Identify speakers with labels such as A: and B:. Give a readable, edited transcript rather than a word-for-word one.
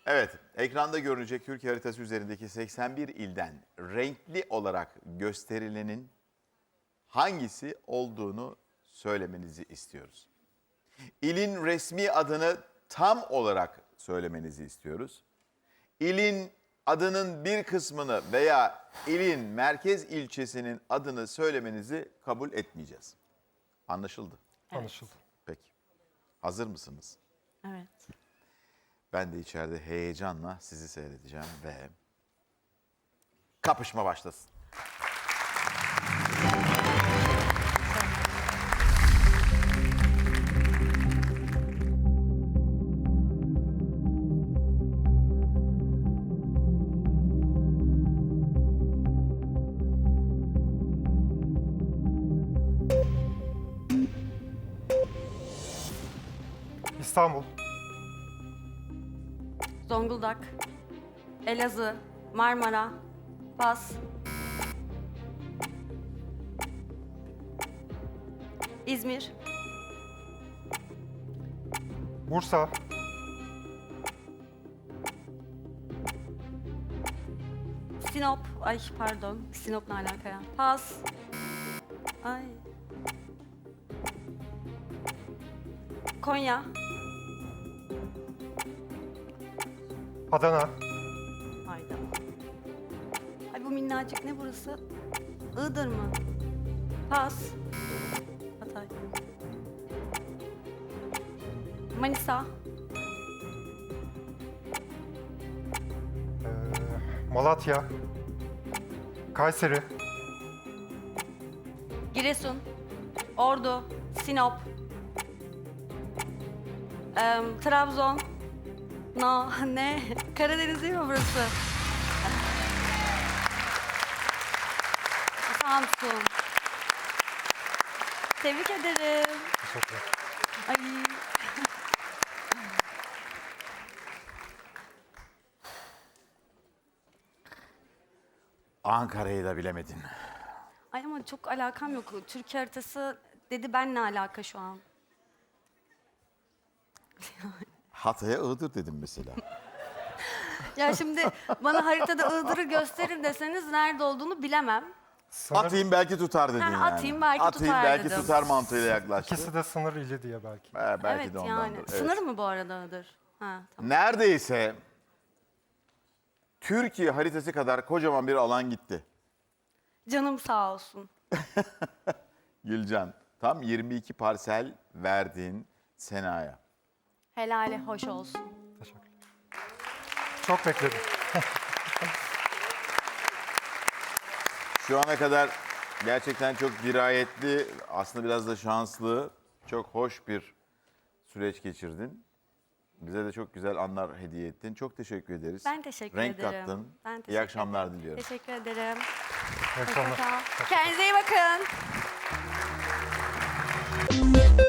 A: Evet, ekranda görünecek Türkiye haritası üzerindeki 81 ilden renkli olarak gösterilenin hangisi olduğunu söylemenizi istiyoruz. İlin resmi adını tam olarak söylemenizi istiyoruz. İlin adının bir kısmını veya ilin merkez ilçesinin adını söylemenizi kabul etmeyeceğiz. Anlaşıldı.
B: Anlaşıldı.
A: Peki. Hazır mısınız?
C: Evet.
A: Ben de içeride heyecanla sizi seyredeceğim ve kapışma başlasın.
B: İstanbul,
C: Zonguldak, Elazığ, Marmara, Fas, İzmir,
B: Bursa,
C: Sinop, ay pardon, Sinop ne alaka ya? Fas, ay, Konya,
B: Adana,
C: hayda. Ay bu minnacık ne burası? Iğdır mı? Fas, Hatay, Manisa,
B: Malatya, Kayseri,
C: Giresun, Ordu, Sinop, Trabzon, no, ne? Karadeniz değil mi burası? Samsun. Tebrik ederim.
B: teşekkürler.
C: Ay.
A: Ankara'yı da bilemedin.
C: Ay ama çok alakam yok. Türkiye haritası dedi, ben ne alaka şu an?
A: Hatay'a Iğdır dedim mesela.
C: Ya şimdi bana haritada Iğdır'ı gösterin deseniz nerede olduğunu bilemem.
B: Sınır,
A: Atayım belki tutar dedin
C: Ha,
A: yani.
C: atayım belki
A: Atayım
C: tutar
A: belki
C: dedim.
A: tutar mantığıyla yaklaştı.
B: ikisi de sınır ili diye belki.
A: Belki
C: Evet
A: de
C: yani.
A: ondandır. Evet.
C: Sınır mı bu arada Iğdır? Ha, tamam.
A: Neredeyse Türkiye haritası kadar kocaman bir alan gitti.
C: Canım sağ olsun.
A: Gülcan, tam 22 parsel verdin Sena'ya.
C: Helali hoş olsun.
B: Teşekkürler. Çok bekledim.
A: Şu ana kadar gerçekten çok dirayetli, aslında biraz da şanslı, çok hoş bir süreç geçirdin. Bize de çok güzel anlar hediye ettin. Çok teşekkür ederiz.
C: Ben teşekkür
A: Renk
C: ederim.
A: kattın.
C: Ben teşekkür
A: İyi akşamlar
C: ederim.
A: diliyorum.
C: Teşekkür ederim.
B: İyi akşamlar.
C: Hoşça kal. Kendinize iyi bakın.